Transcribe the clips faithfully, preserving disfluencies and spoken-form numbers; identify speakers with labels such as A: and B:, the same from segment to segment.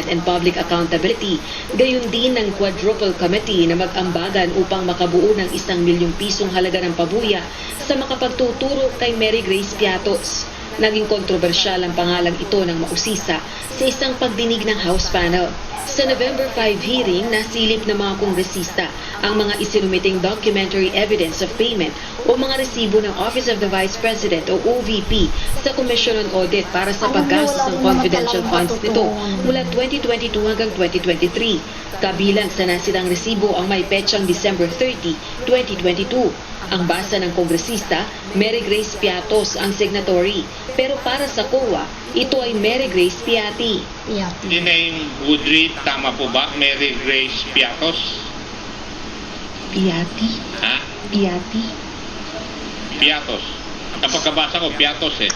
A: and Public Accountability, gayon din ng Quadruple Committee na mag-ambagan upang makabuo ng isang milyong pisong halaga ng pabuya sa makapagtuturo kay Mary Grace Piatos. Naging kontrobersyal ang pangalang ito ng mausisa sa isang pagdinig ng House panel. Sa November fifth hearing, nasilip ng mga kongresista ang mga isinumiting documentary evidence of payment o mga resibo ng Office of the Vice President o O V P sa Commission on Audit para sa paggastos ng confidential funds nito mula twenty twenty-two hanggang twenty twenty-three. Kabilang sa nasidang resibo ang may petsang December thirtieth, twenty twenty-two. Ang basa ng kongresista, Mary Grace Piatos ang signatory. Pero para sa C O A, ito ay Mary Grace Piati.
B: Piati.
C: The name would read, tama po ba? Mary Grace Piatos?
A: Piati?
C: Ha?
A: Piati?
C: Piatos. Kapag kabasa ko, Piatos eh.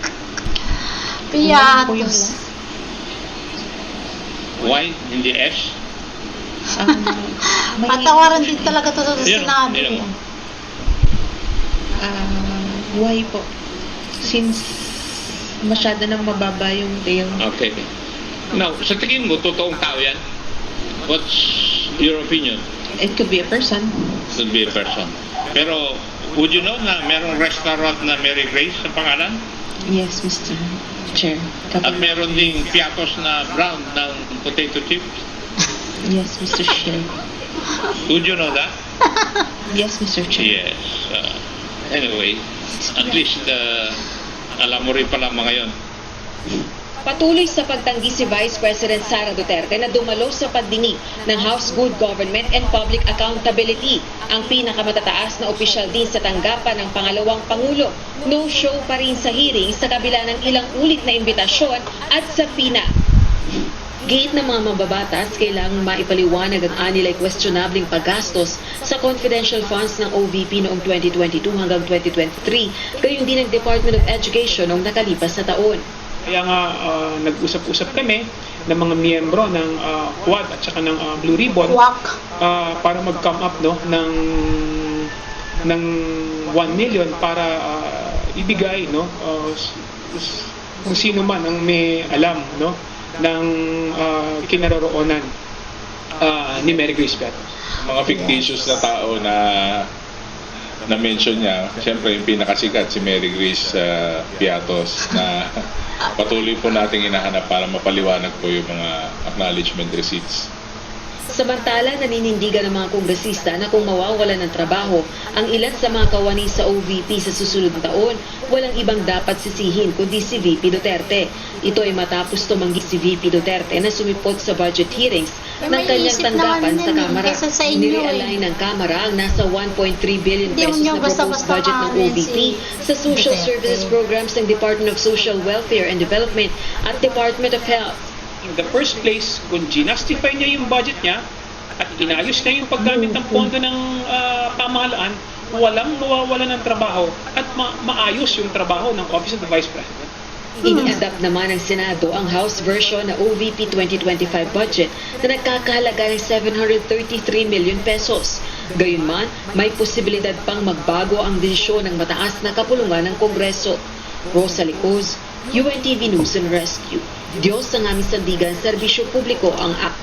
B: Piatos.
C: Y, hindi S?
A: Um, may,
B: Patawaran din talaga ito sa
C: Yun,
B: sinabi.
C: yun.
A: uh, why po? Since masyado nang mababa yung tail.
C: Okay. Now, sa tingin mo, totoong tao yan? What's your opinion?
A: It could be a person.
C: Should be a person. Pero, would you know na merong restaurant na Mary Grace sa pangalan?
A: Yes, Mister Chair.
C: At meron ding Piatos na brand ng potato chips?
A: Yes, Mister Chair.
C: Would you know that?
A: Yes, Mister Chair.
C: Yes. Uh, anyway, at least uh, alam mo rin pala mga yon. Patuloy sa pagtanggi si Vice President Sara Duterte na dumalo sa pagdinig ng House Good Government and Public Accountability. Ang pinakamatataas na opisyal din sa tanggapan ng pangalawang Pangulo. No-show pa rin sa hearing sa kabila ng ilang ulit na imbitasyon at sapina. Gate ng mga mababatas, kailangang maipaliwanag ang anilay questionabling paggastos sa confidential funds ng O V P noong twenty twenty-two hanggang twenty twenty-three, gayon din ng Department of Education noong nakalipas na taon.
D: Kaya nga uh, nag-usap-usap kami ng mga miyembro ng uh, Quad at saka ng uh, Blue Ribbon uh, para mag-come up no ng ng one million para uh, ibigay no uh, kung sino man ang may alam no ng uh, kinaroroonan uh, ni Mary Grace Piatos.
E: Mga fictitious na tao na na-mention niya, siyempre yung pinakasikat si Mary Grace uh, Piatos na patuloy po nating hinahanap para mapaliwanag po yung mga acknowledgement receipts.
A: Samantala, naninindigan ng mga kongresista na kung mawawalan ng trabaho ang ilan sa mga kawani sa O V P sa susunod na taon, walang ibang dapat sisihin kundi si V P Duterte. Ito ay matapos tumanggi si V P Duterte na sumipot sa budget hearings
B: Eh,
A: ng
B: may
A: kanyang
B: isip
A: tanggapan
B: naman
A: sa
B: yan eh,
A: Kamara.
B: kaysa sa inyo eh.
A: Nirealign ng Kamara ang nasa one point three billion
B: Hindi
A: pesos
B: nyo
A: na proposed
B: basta-basta
A: budget ng O V P
B: maamin
A: sa social
B: Duterte.
A: services programs ng Department of Social Welfare and Development at Department of Health.
D: In the first place, kung ginastify niya yung budget niya at inayos niya yung paggamit ng pondo ng uh, pamahalaan, walang mawawala ng trabaho at ma- maayos yung trabaho ng Office of the Vice President.
A: Ini-adapt naman ng Senado ang House version na O V P twenty twenty-five budget na nagkakahalaga ng seven hundred thirty-three million pesos. Gayunman, may posibilidad pang magbago ang desisyon ng mataas na kapulungan ng Kongreso. Rosa Licos, U N T V News and Rescue. Diyos ang aming sandigan, serbisyo publiko ang